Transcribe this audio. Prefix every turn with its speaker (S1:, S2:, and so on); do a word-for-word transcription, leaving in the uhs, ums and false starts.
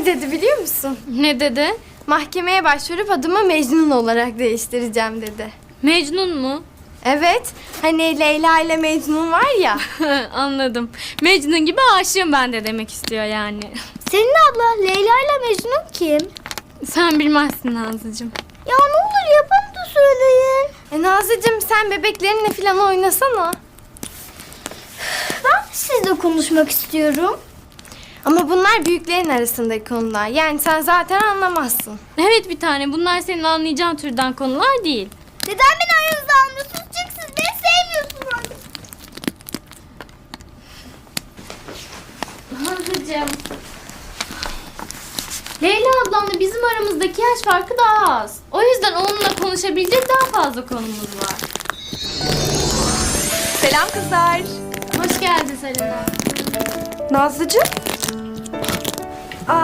S1: ne dedi biliyor musun?
S2: Ne dedi?
S1: Mahkemeye başvurup adımı Mecnun olarak değiştireceğim dedi.
S2: Mecnun mu?
S1: Evet, hani Leyla ile Mecnun var ya.
S2: Anladım. Mecnun gibi aşığım ben de demek istiyor yani.
S3: Senin abla Leyla ile Mecnun kim?
S2: Sen bilmezsin Nazlıcığım.
S3: Ya ne olur yapın da söyleyin.
S1: E Nazlıcığım sen bebeklerinle falan oynasana.
S3: Ben de sizle konuşmak istiyorum.
S1: Ama bunlar büyüklerin arasındaki konular. Yani sen zaten anlamazsın.
S2: Evet bir tane, bunlar senin anlayacağın türden konular değil.
S3: Neden beni aranızda almıyorsunuz? Çünkü siz beni sevmiyorsunuz.
S2: Nazlıcığım. Leyla ablamla bizim aramızdaki yaş farkı daha az. O yüzden onunla konuşabilecek daha fazla konumuz var.
S4: Selam kızlar.
S2: Hoş geldin Selena.
S4: Nazlıcığım,